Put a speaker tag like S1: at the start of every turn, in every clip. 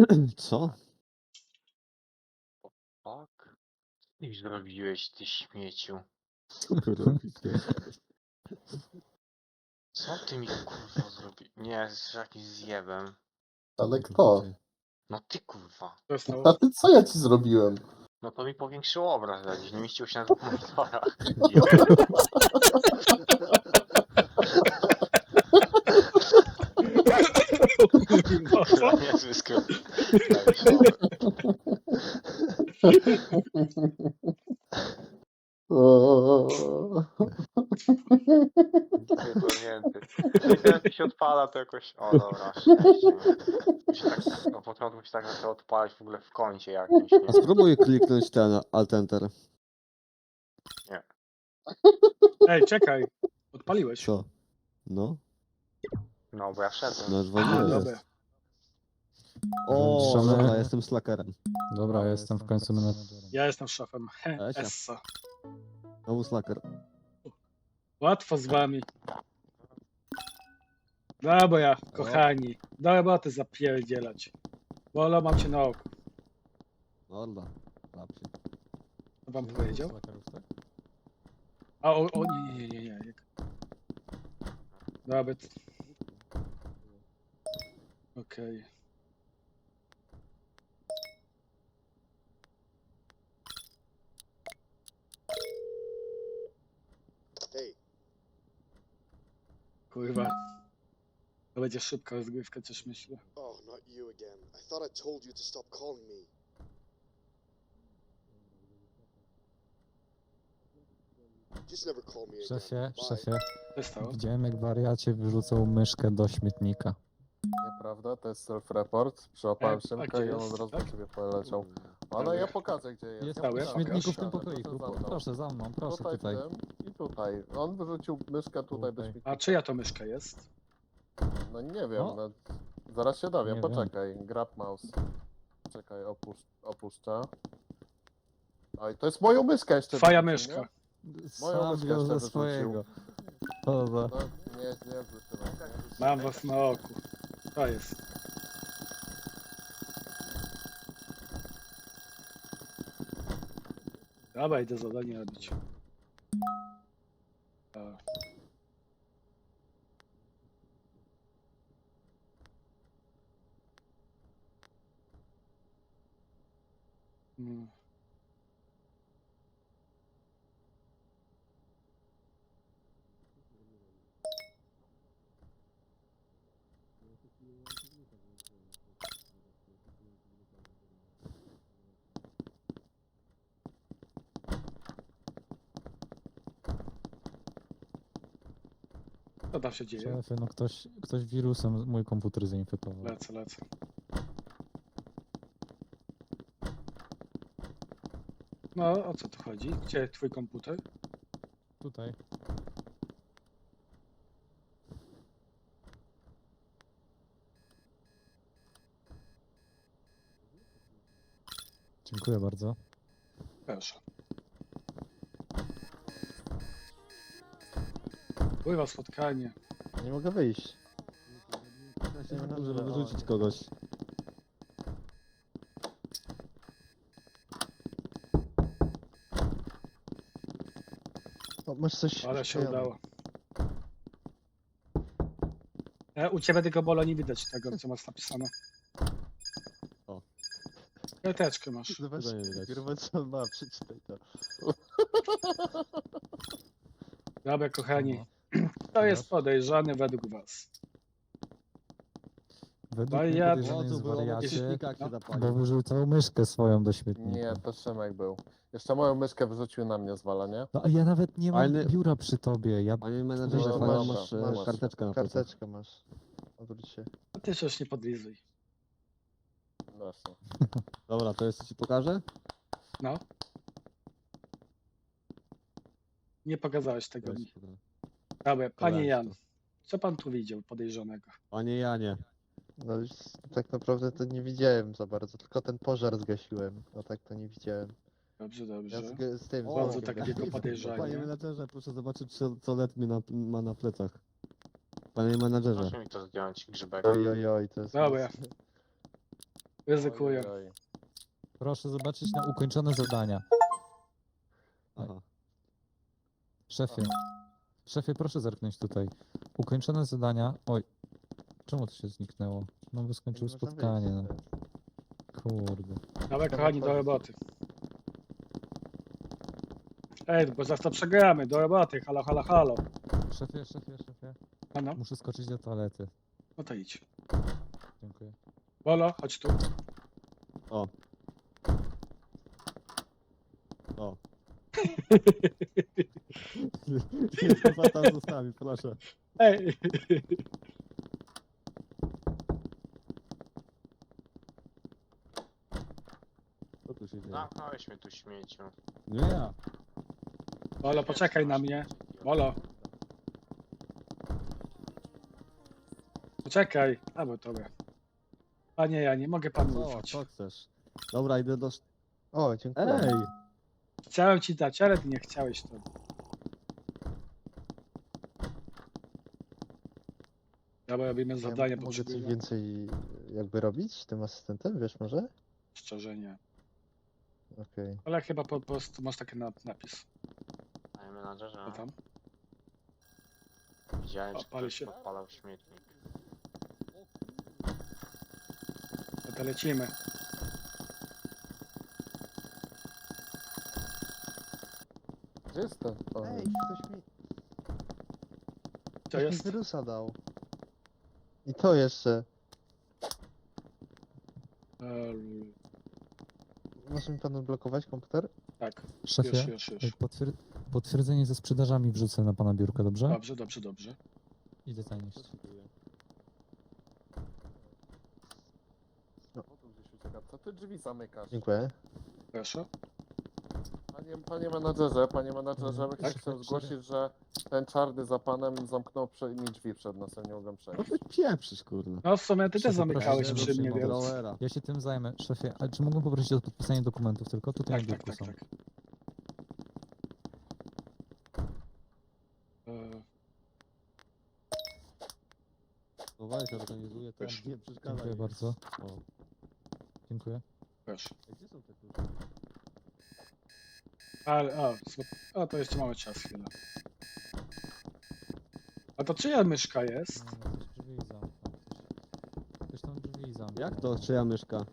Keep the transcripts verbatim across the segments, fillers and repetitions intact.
S1: Co?
S2: Tak? Co ty zrobiłeś, ty śmieciu?
S1: Co wy robicie?
S2: Co ty mi kurwa zrobiłeś? Nie, jesteś jakimś zjebem.
S3: Ale kto?
S2: No ty kurwa.
S4: Co stało?
S3: A ty co ja ci zrobiłem?
S2: No to mi powiększył obraz jakiś, nie mieścił się na dwóch monitorach. Idioto.
S4: Kurwa, co?
S2: To niezły skrót. klawiszowy. Pierdolnięty. No i teraz mi się odpala to jakoś... O dobra, szczęście, nie? Mi się tak, na początku się tak zaczęło odpalać w ogóle w kącie jakimś,
S1: A
S2: nie?
S1: spróbuj kliknąć ten Alt Enter.
S4: Ej, czekaj. Odpaliłeś.
S1: Co? No,
S2: No bo ja wszedłem.
S1: no już
S4: A,
S1: wolno
S4: dobra.
S1: jest. O,
S5: Trzemy-
S1: dobra, jestem slackerem.
S5: Dobra, jestem w końcu menedżerem.
S4: Ja jestem szefem. He,
S1: Lecia.
S4: Essa.
S1: Znowu slacker.
S4: Łatwo z wami. Dobra, kochani. Do roboty zapierdzielać. Bolo, mam cię na oku.
S1: Morda. Klap się.
S4: Co wam powiedział?
S5: Slackerów, tak?
S4: A, o, o nie, nie, nie, nie, nie. Dobra. t- Okej.
S6: Hey,
S4: Kurwa. To będzie szybka rozgrywka, coś myślę.
S6: oh, not you again. I thought I told you to stop calling me. Just never call me again.
S5: Szefie,
S6: Bye.
S5: szefie,
S4: Co się stało?
S5: widziałem jak wariacie wyrzucał myszkę do śmietnika.
S3: Nieprawda, to jest self-report. Przyłapałem
S4: E, a
S3: Szymka
S4: gdzie
S3: i on
S4: jest?
S3: od razu
S4: Tak?
S3: do ciebie poleciał. Ale
S4: Dobra.
S3: ja pokażę gdzie jest.
S5: Jest
S3: ja
S4: cały
S5: w
S4: w
S3: pokażę.
S5: śmietniku w tym
S4: Proszę,
S5: pokoiku.
S3: Proszę za mną.
S5: Proszę za mną, proszę
S3: Tutaj,
S5: tutaj.
S3: w tym i tutaj. On wyrzucił myszkę tutaj do
S5: Tutaj.
S3: śmietnika.
S4: A czyja to myszka jest?
S3: No nie wiem,
S5: No.
S3: no. Zaraz się dowiem,
S5: Nie
S3: poczekaj. Grab mouse. Czekaj, opusz opuszczę. Oj, to jest moją myszkę jeszcze.
S4: Twoja
S3: wyrzucił,
S4: myszka.
S3: Moją
S5: Sam
S3: myszkę
S5: wziął
S3: jeszcze
S5: ze
S3: wyrzucił.
S5: swojego. To za...
S3: nie? No, nie, nie, Szymek, nie.
S4: Mam was na oku. To jest. Dobra, idę zadanie robić. A. Hmm. Co tam się dzieje?
S5: Szefie, no ktoś, ktoś wirusem mój komputer zainfekował.
S4: Lecę, lecę. No, o co tu chodzi? Gdzie twój komputer?
S5: Tutaj. Dziękuję bardzo.
S4: Proszę. Pływa spotkanie.
S1: Nie mogę wyjść. Ja się nie żeby wyrzucić kogoś. O, masz coś...
S4: Ale się
S1: przyklejone.
S4: udało. E, u ciebie tylko Bolo nie widać tego, co masz napisane.
S1: O.
S4: Kredeczkę masz.
S1: Zobacz,
S5: Tego nie widać.
S1: kurwa, co on ma, przeczytaj to.
S4: Dobra, kochani.
S5: Aha.
S4: Kto jest podejrzany według was?
S5: Według
S4: Wariat.
S5: mnie
S1: O,
S5: podejrzany
S1: tu
S5: jest
S1: było na
S5: wariacie,
S1: śmietnikach się
S4: No.
S5: bo
S1: zapalił.
S5: wyrzucał myszkę swoją do śmietnika.
S3: Nie, to Szymek był. Jeszcze moją myszkę wyrzucił na mnie zwala, nie?
S5: No a ja nawet nie mam
S1: Ale-
S5: biura przy tobie. Ja...
S1: Panie menedżerze,
S3: No,
S1: fajną
S3: dobra,
S1: masz e,
S3: masz.
S1: karteczkę na plecach.
S7: Karteczkę masz. Odwróć się.
S4: A ty się już nie podlizuj.
S3: Właśnie.
S1: Dobra, to jeszcze ci pokażę?
S4: No. Nie pokazałeś tego
S1: Weź,
S4: mi.
S1: pokażę.
S4: Dobra, panie
S1: Weź
S4: Jan.
S1: to.
S4: Co pan tu widział podejrzanego?
S1: Panie Janie.
S7: No już tak naprawdę to nie widziałem za bardzo, tylko ten pożar zgasiłem. No tak to nie widziałem.
S4: Dobrze,
S7: Ja
S4: dobrze.
S7: z, z tym
S1: O,
S7: z
S4: Bardzo
S7: Wojtkiem
S4: tak
S7: gadałem.
S4: wielko podejrzanie.
S1: Panie menedżerze, proszę zobaczyć, co, co Let mi na, ma na plecach. Panie menedżerze.
S2: Proszę mi to zdjąć, grzybek.
S7: Oj, oj, oj, to jest...
S4: Dobra. Ryzykuję.
S3: Oj, oj.
S5: Proszę zobaczyć na ukończone zadania.
S1: Aha.
S5: Szefie. Szefie, proszę zerknąć tutaj. Ukończone zadania. Oj. Czemu to się zniknęło? No bo skończył
S7: Nie można
S5: spotkanie. No.
S7: wyjść.
S5: Kurde.
S4: Dawaj kochani, do roboty. Ej, bo zaraz to przegramy, do roboty, halo, halo, halo.
S5: Szefie, szefie, szefie.
S4: No, no,
S5: Muszę skoczyć do toalety.
S4: no to idź.
S5: Dziękuję.
S4: Bolo, chodź tu.
S1: O. O. Nie, chyba tam zostawi, proszę.
S4: Ej,
S1: Co tu się dzieje?
S2: Zamknąłeś mnie tu śmieciu.
S1: Nie ja.
S4: Bolo, poczekaj na mnie. Bolo. Poczekaj. A bo dobra. Panie, ja nie mogę panu
S1: Co,
S4: ufać.
S1: co chcesz? Dobra, idę do... sz-
S7: O, dziękuję.
S1: Ej!
S4: Chciałem ci dać, ale ty nie chciałeś to. Dobra, robimy zadanie,
S7: Ja mogę coś
S4: potrzebuję.
S7: więcej jakby robić tym asystentem, wiesz może?
S4: Szczerze nie.
S7: Okej.
S4: Ale chyba po prostu masz taki na- napis.
S2: Panie menadżerze,
S4: Co tam?
S2: widziałem, że
S4: Pali
S2: ktoś
S4: się.
S2: podpalał śmietnik.
S4: No to lecimy.
S3: Gdzie jest ten? O,
S7: Ej, ktoś mi,
S4: To
S7: ktoś mi
S4: jest.
S7: wirusa dał. I to jeszcze.
S4: Eee,
S7: Może mi pan odblokować komputer?
S4: tak, już,
S5: Szefie,
S4: już, już.
S5: y, potwier potwierdzenie ze sprzedażami wrzucę na pana biurko, dobrze?
S4: Dobrze, dobrze, dobrze.
S5: Idę zanieść.
S3: o, tu gdzieś ucieka. Co ty drzwi zamykasz?
S7: Dziękuję.
S4: Proszę.
S3: Panie, panie menadżerze, panie menadżerze,
S5: Mhm.
S3: tak? chcę
S5: Tak,
S3: zgłosić, że ten czarny za panem zamknął prze- mi drzwi przed nosem, nie mogłem
S1: No
S3: przejść.
S1: ty pieprzysz, kurwa.
S4: No w sumie ty też
S5: Szefie,
S4: zamykałeś
S5: proszę,
S4: przy
S5: żeby
S4: mnie,
S5: się
S4: więc...
S1: Growera.
S5: Ja się tym zajmę. Szefie, a czy mógłbym poprosić o podpisanie dokumentów tylko? Tutaj
S4: Tak,
S5: na
S4: tak,
S5: biurku
S4: tak,
S5: są.
S4: tak. Eee,
S1: No weź, organizuję to.
S4: Proszę.
S1: Nie przeszkadzaj.
S5: Dziękuję
S1: mi.
S5: bardzo.
S1: O.
S5: Dziękuję.
S4: proszę.
S1: Ej, gdzie są te klucze?
S4: Ale, o, słab- o, to jeszcze mamy czas chwilę. A to czyja myszka jest?
S5: No, ktoś drzwi zamknął. Ktoś- Ktoś tam drzwi zamknął.
S1: Jak to? Czyja myszka?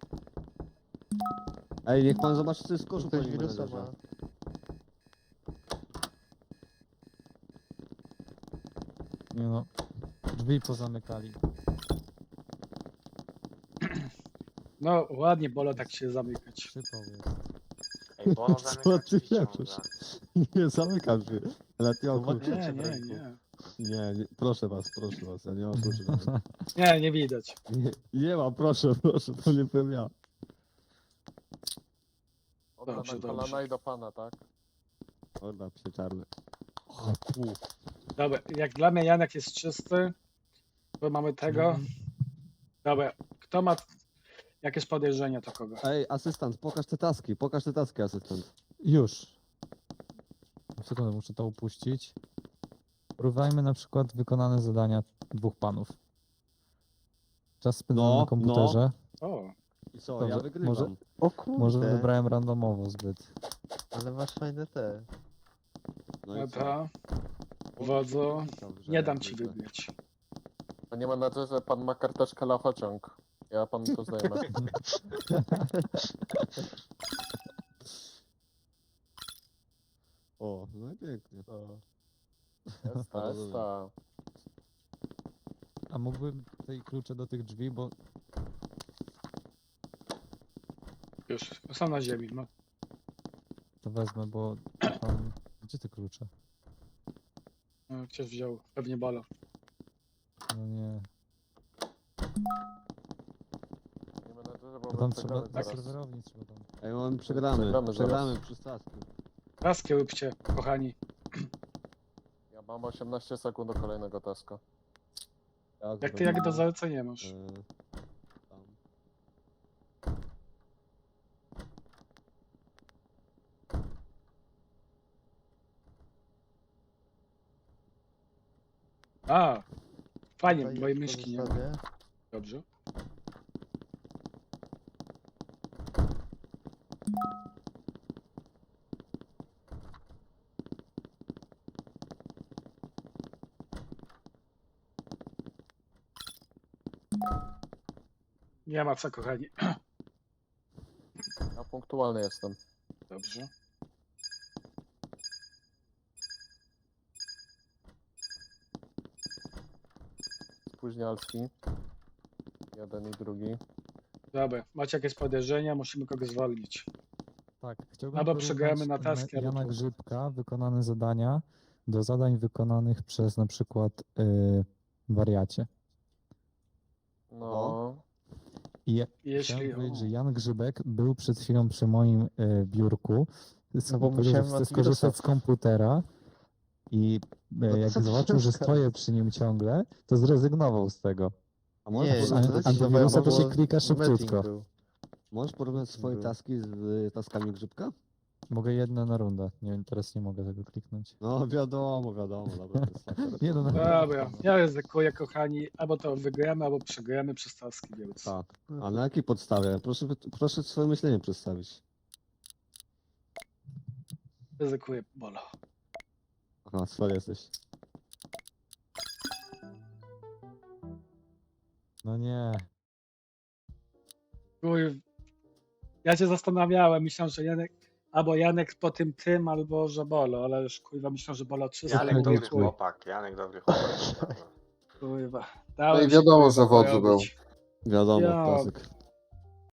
S1: Ej, niech pan zobaczy, co jest w koszu,
S7: Ktoś
S1: panie
S7: wirusa
S1: menedżerze.
S7: ma.
S5: Nie no. Drzwi pozamykali.
S4: No ładnie, Bolo, tak się zamykać.
S5: Przypał jest.
S2: Ej, Bolo
S1: Co
S2: zamyka
S1: ty
S2: drzwi
S1: pieprzysz?
S2: ciągle.
S1: Nie zamykam się. Ale ty o
S7: Zobaczycie.
S1: kluczy.
S4: Nie, nie, nie.
S1: Nie, nie, proszę was, proszę was, ja nie mam kluczy.
S4: Nie, nie widać.
S1: Nie, nie mam, proszę, proszę, to nie byłem ja.
S3: Oddam
S4: Dobrze,
S3: na
S4: dobrze.
S3: kolana i do pana, tak?
S1: Orda, psie czarny.
S4: Dobra, jak dla mnie Janek jest czysty, bo mamy tego.
S5: Mhm.
S4: Dobra, kto ma jakieś podejrzenia, to kogo?
S1: Ej, asystent, pokaż te taski, pokaż te taski, asystent.
S5: Już. Sekundę, muszę to upuścić. Porównajmy na przykład wykonane zadania dwóch panów. Czas spędzony
S1: No,
S5: na komputerze.
S4: O,
S1: I co,
S5: Dobrze,
S1: ja wygrywam.
S5: może-
S7: O kurde.
S5: Może wybrałem randomowo zbyt.
S7: Ale masz fajne te.
S1: No
S4: no
S1: i co?
S4: to. Wodzu,
S1: Dobrze,
S4: nie dam
S1: jak
S4: ci
S1: zwykle.
S4: wybrać.
S3: Panie menadżerze, pan ma karteczkę lafociąg. Ja panu to zdejmę.
S1: O, no i pięknie.
S3: Jest ta, jest ta.
S5: A mógłbym tej klucze do tych drzwi, bo
S4: Już, są na ziemi. No.
S5: to wezmę, bo tam... Gdzie te klucze?
S4: No, ktoś wziął, pewnie Bolo.
S5: No nie.
S3: Panie menadżerze, bo
S5: To
S3: my
S5: tam trzeba...
S3: przegramy
S5: Na
S3: zaraz.
S5: serwerowni trzeba tam...
S1: Ej, mamy przegramy,
S3: Przegramy
S1: przegramy,
S3: zaraz.
S1: przy stasku.
S4: Laskę róbcie, kochani.
S3: Ja mam osiemnaście sekund do kolejnego taska.
S4: Jak ty jak do zalecenia masz.
S1: E, tam.
S4: A, fajnie,
S7: Tutaj
S4: moje
S7: już
S4: myszki nie ma.
S7: pozostawię.
S4: Dobrze. Nie ma co, kochani.
S3: Ja punktualny jestem.
S4: Dobrze.
S3: Spóźnialski. Jeden i drugi.
S4: Dobra, macie jakieś podejrzenia? Musimy kogoś zwolnić.
S5: Tak, chciałbym
S4: Albo
S5: porównać
S4: przegramy na
S5: me-
S4: taski, albo
S5: Jana
S4: tu.
S5: Grzybka, wykonane zadania do zadań wykonanych przez na przykład yy, wariacie.
S3: No.
S5: I ja
S4: Jeśli...
S5: chciałem powiedzieć, że
S4: O,
S5: Jan Grzybek był przed chwilą przy moim y, biurku.
S7: No bo
S5: Powiedział, że
S7: musiałem
S5: chce
S7: antywirusa.
S5: skorzystać z komputera i
S7: No
S5: y, jak
S7: co ty
S5: zobaczył, że
S7: rozkaż?
S5: stoję przy nim ciągle, to zrezygnował z tego.
S1: A
S7: Nie,
S1: możesz,
S5: An-
S1: porównać,
S7: zdecydowałem,
S5: antywirusa to
S7: bo
S5: się klika
S7: meeting
S5: szybciutko.
S7: był.
S1: możesz porównać swoje
S7: był.
S1: taski z y, taskami Grzybka?
S5: Mogę jedno na rundę. Nie wiem, teraz nie mogę tego kliknąć.
S1: No wiadomo, wiadomo, dobra, to jest akurat-
S5: Nie, no, no.
S4: dobra, ja ryzykuję, kochani. Albo to wygramy, albo przegramy przez taski, więc...
S1: Tak. A na jakiej podstawie? Proszę, proszę swoje myślenie przedstawić.
S4: Ryzykuję, bolo.
S1: Aha, cwel jesteś.
S5: No nie.
S4: Kurw. Ja się zastanawiałem, myślałem, że Janek... Albo Janek po tym tym, albo że bolo, ale już kurwa myślałem, że bolo trzy
S2: Janek
S5: Słuchaj,
S2: dobry
S5: chuj.
S2: chłopak, Janek dobry chłopak.
S4: Kurwa.
S3: No
S4: Dałem
S3: i
S4: się,
S3: wiadomo,
S4: kurwa,
S3: że wodzy był.
S4: porobić.
S1: Wiadomo,
S4: Ja-
S1: klasyk.